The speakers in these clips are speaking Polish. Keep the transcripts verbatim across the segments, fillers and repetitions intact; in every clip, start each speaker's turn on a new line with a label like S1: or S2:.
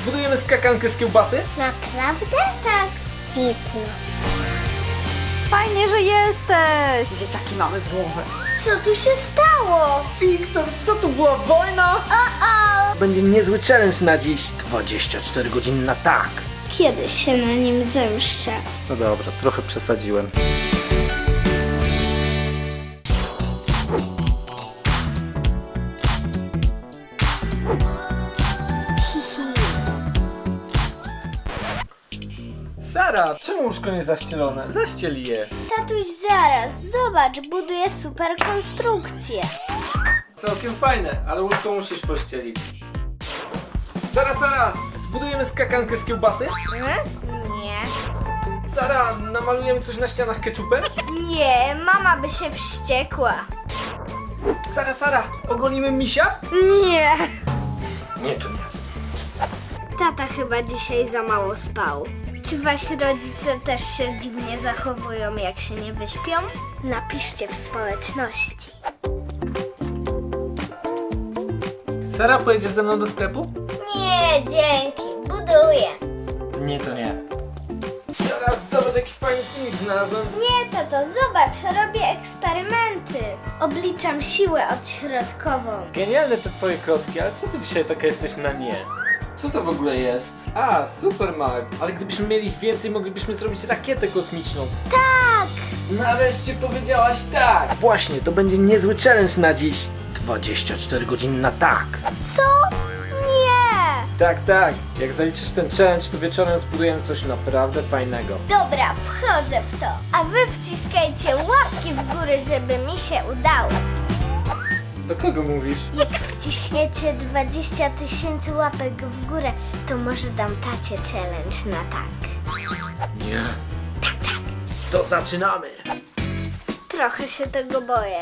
S1: Zbudujemy skakankę z kiełbasy?
S2: Naprawdę? Tak. Dziwne.
S3: Fajnie, że jesteś!
S1: Dzieciaki mamy z głowy.
S2: Co tu się stało?
S1: Wiktor, co tu była wojna?
S2: O-o!
S1: Będzie niezły challenge na dziś. dwadzieścia cztery godziny na tak.
S2: Kiedyś się na nim zemszczę.
S1: No dobra, trochę przesadziłem. Sara, czemu łóżko nie zaścielone? Zaściel je.
S2: Tatuś, zaraz, zobacz, buduję super konstrukcję.
S1: Całkiem fajne, ale łóżko musisz pościelić. Sara, Sara, zbudujemy skakankę z kiełbasy?
S2: Hmm? Nie.
S1: Sara, namalujemy coś na ścianach keczupem?
S2: Nie, mama by się wściekła.
S1: Sara, Sara, ogolimy misia?
S2: Nie.
S1: Nie, to nie.
S2: Tata chyba dzisiaj za mało spał. Czy wasi rodzice też się dziwnie zachowują, jak się nie wyśpią? Napiszcie w społeczności.
S1: Sara, pojedziesz ze mną do sklepu?
S2: Nie, dzięki. Buduję.
S1: Nie, to nie. Sara, zobacz, jaki fajny filmik znalazłem.
S2: Nie, tato, zobacz, robię eksperymenty. Obliczam siłę odśrodkową.
S1: Genialne te twoje klocki, ale co ty dzisiaj taka jesteś na nie? Co to w ogóle jest? A, super Mag. Ale gdybyśmy mieli ich więcej, moglibyśmy zrobić rakietę kosmiczną.
S2: Tak!
S1: Nareszcie powiedziałaś tak! Właśnie, to będzie niezły challenge na dziś. dwadzieścia cztery godziny na tak.
S2: Co? Nie!
S1: Tak, tak. Jak zaliczysz ten challenge, to wieczorem zbudujemy coś naprawdę fajnego.
S2: Dobra, wchodzę w to. A wy wciskajcie łapki w górę, żeby mi się udało.
S1: Do kogo mówisz?
S2: Jak wciśniecie dwadzieścia tysięcy łapek w górę, to może dam tacie challenge na tak.
S1: Nie. Tak, tak. To zaczynamy.
S2: Trochę się tego boję.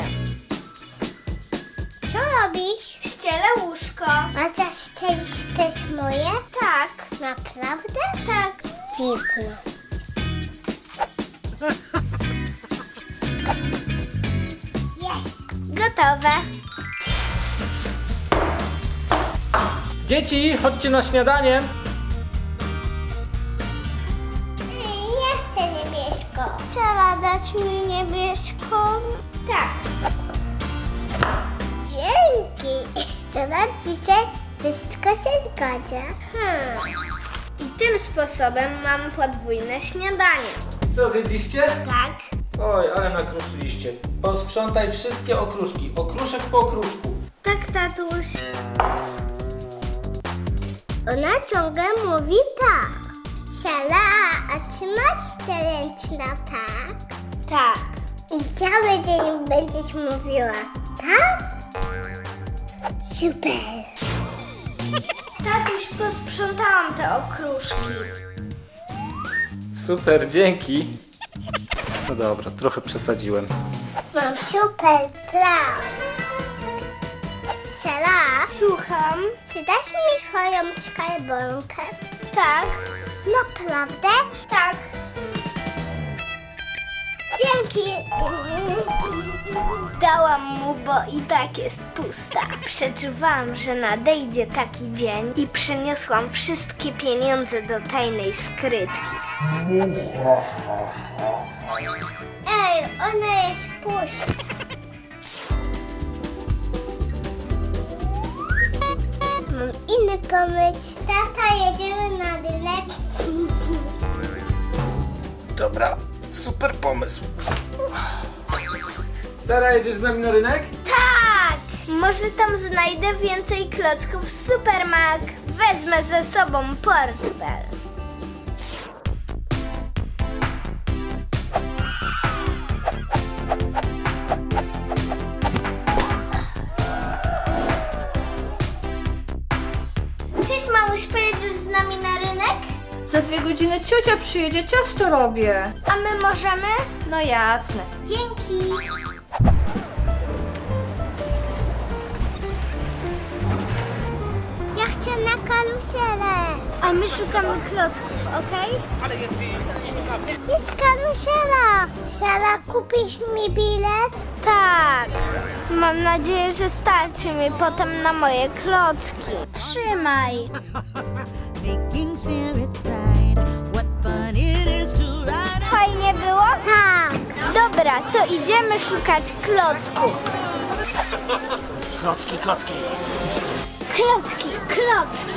S2: Co robisz? Ścielę łóżko. A zaścielić też moje? Tak. Naprawdę? Tak. Dziwne. Jest. Gotowe.
S1: Dzieci, chodźcie na śniadanie.
S2: Nie chcę niebiesko. Trzeba dać mi niebieską? Tak. Dzięki. Zobaczcie, wszystko się zgadza. Hmm. I tym sposobem mam podwójne śniadanie.
S1: Co, zjedliście?
S2: Tak.
S1: Oj, ale nakruszyliście. Posprzątaj wszystkie okruszki. Okruszek po okruszku.
S2: Tak, tatuś. Ona ciągle mówi tak. Siala, a czy masz challenge na tak? Tak. I cały dzień będziesz mówiła tak? Super. Tatuś, posprzątałam te okruszki.
S1: Super, dzięki. No dobra, trochę przesadziłem.
S2: Mam super plan. Siala, słucham. Czy dasz mi swoją skarbonkę? Tak. Naprawdę? Tak. Dzięki. Dałam mu, bo i tak jest pusta. Przeczuwałam, że nadejdzie taki dzień i przeniosłam wszystkie pieniądze do tajnej skrytki. Ej, ona jest pusta. Mam inny pomysł. Tata, jedziemy na rynek.
S1: Dobra, super pomysł. Sara, jedziesz z nami na rynek?
S2: Tak! Może tam znajdę więcej klocków Supermag. Wezmę ze sobą portfel. Cześć, mamuś, pojedziesz z nami na rynek?
S3: Za dwie godziny ciocia przyjedzie, ciasto robię.
S2: A my możemy?
S3: No jasne.
S2: Dzięki. Ja chcę na karuzelę. A my szukamy klocków, okej? Jest karuzela. Sara, kupisz mi bilet? Tak. Mam nadzieję, że starczy mi potem na moje klocki. Trzymaj.
S4: making spirits bright. What fun it is to ride.
S2: Fajnie było? Tak. Dobra, to idziemy szukać klocków.
S1: Klocki, klocki.
S2: Klocki, klocki.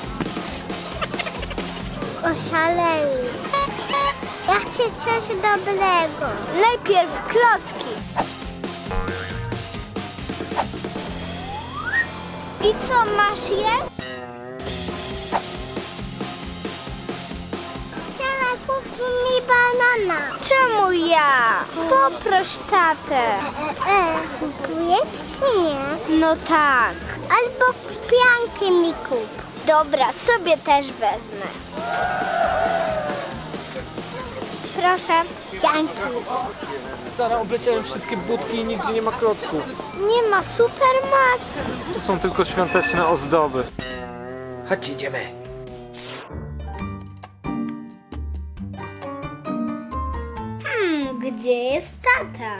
S2: Oszaleli. Ja chcę coś dobrego. Najpierw klocki. I co, masz je? Chciała kupić mi banana. Czemu ja? Poproś tatę. E, e, kupujesz czy nie? No tak. Albo pianki mi kup. Dobra, sobie też wezmę. Proszę, pianki.
S1: Sara, obleciałem wszystkie budki i nigdzie nie ma klocków.
S2: Nie ma supermarket.
S1: Tu są tylko świąteczne ozdoby. Chodźcie, idziemy.
S2: Hmm, gdzie jest tata?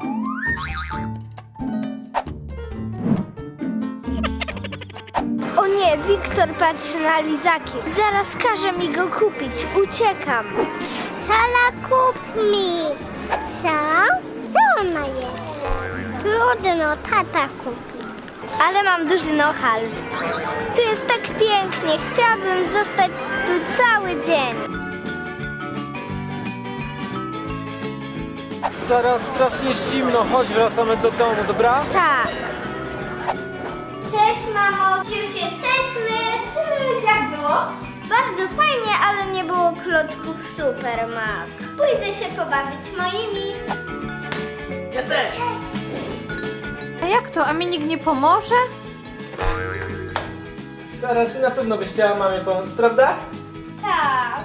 S2: O nie, Wiktor patrzy na lizaki. Zaraz każe mi go kupić. Uciekam. Sala, kup mi. Sala? Co ona jest? Trudno, tata kupi. Ale mam duży nohal. Tu jest tak pięknie. Chciałabym zostać tu cały dzień.
S1: Sara, strasznie zimno. Chodź, wracamy do domu, dobra?
S2: Tak. Cześć, mamo. Już jesteśmy. Jak było? Bardzo fajnie, ale nie było klocków Supermak. Pójdę się pobawić moimi.
S1: Ja też.
S3: A jak to? A mi nikt nie pomoże?
S1: Sara, ty na pewno byś chciała mamie pomóc, prawda?
S2: Tak.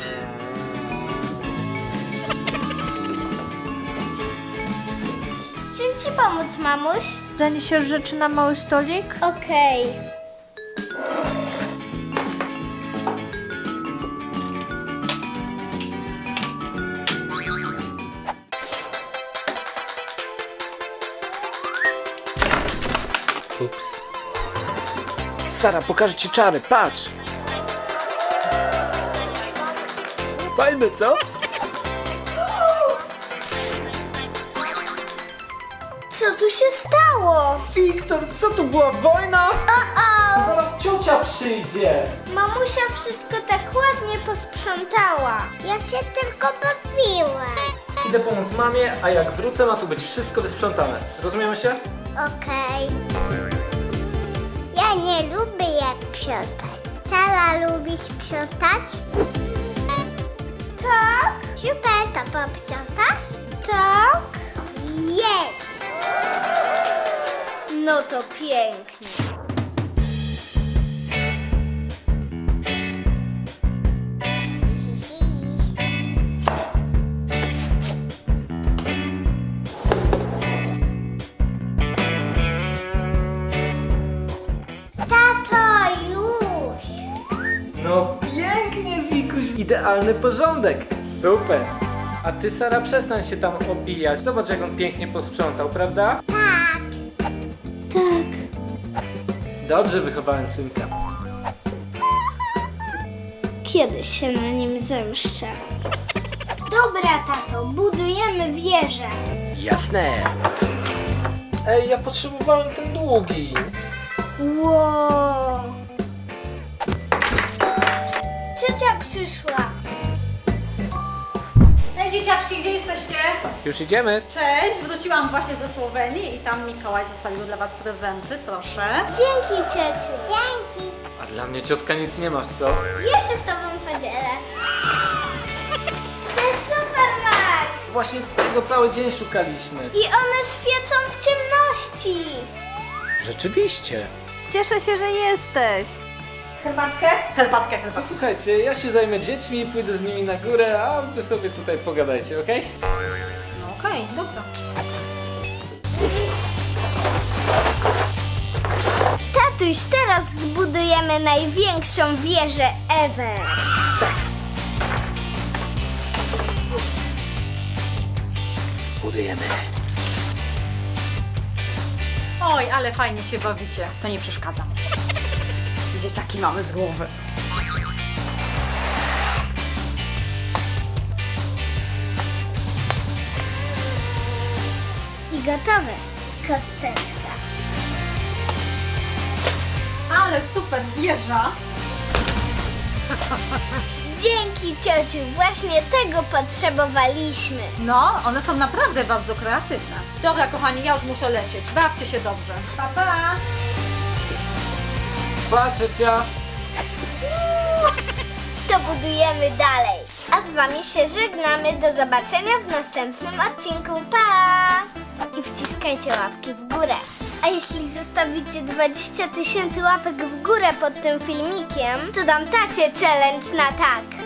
S2: W czym ci pomóc, mamuś?
S3: Zaniesiesz rzeczy na mały stolik?
S2: Okej.
S1: Ups. Sara, pokażę ci czary, patrz! Fajne, co?
S2: Co tu się stało?
S1: Wiktor, co tu była wojna?
S2: O-o!
S1: Zaraz ciocia przyjdzie!
S2: Mamusia wszystko tak ładnie posprzątała. Ja się tylko bawiłam.
S1: Idę pomóc mamie, a jak wrócę, ma tu być wszystko wysprzątane. Rozumiemy się?
S2: Okej. Ja nie lubię jak sprzątać. Sara, lubi sprzątać? Tak. Super, to posprzątasz? Tak. Jest.
S3: No to pięknie.
S2: Tato, już.
S1: No pięknie, Wikuś, idealny porządek. Super. A ty, Sara, przestań się tam obijać. Zobacz, jak on pięknie posprzątał, prawda?
S2: Tak. Tak.
S1: Dobrze wychowałem synka.
S2: Kiedyś się na nim zemszczę. Dobra, tato, budujemy wieżę.
S1: Jasne. Ej, ja potrzebowałem ten długi.
S2: Wow. Ciocia przyszła.
S5: Hej dzieciaczki, gdzie jesteście?
S1: Już idziemy.
S5: Cześć, wróciłam właśnie ze Słowenii i tam Mikołaj zostawił dla was prezenty, proszę.
S2: Dzięki, ciociu. Dzięki.
S1: A dla mnie ciotka nic nie masz, co?
S2: Ja się z tobą podzielę. To jest Supermak.
S1: Właśnie tego cały dzień szukaliśmy.
S2: I one świecą w ciemności.
S1: Rzeczywiście.
S3: Cieszę się, że jesteś.
S5: Herbatkę? Herbatkę,
S1: To
S5: herbatkę.
S1: słuchajcie, ja się zajmę dziećmi, pójdę z nimi na górę, a wy sobie tutaj pogadajcie, okej?
S5: No okej, dobra.
S2: Tatuś, teraz zbudujemy największą wieżę ever.
S1: Budujemy.
S5: Oj, ale fajnie się bawicie. To nie przeszkadza. Dzieciaki mamy z głowy.
S2: Gotowe. Kosteczka.
S5: Ale super wieża!
S2: Dzięki ciociu, właśnie tego potrzebowaliśmy.
S5: No, one są naprawdę bardzo kreatywne. Dobra, kochani, ja już muszę lecieć. Bawcie się dobrze. Pa, pa!
S1: Pa, ciocia!
S2: To budujemy dalej. A z wami się żegnamy. Do zobaczenia w następnym odcinku. Pa! I wciskajcie łapki w górę. A jeśli zostawicie dwadzieścia tysięcy łapek w górę pod tym filmikiem, to dam tacie challenge na tak.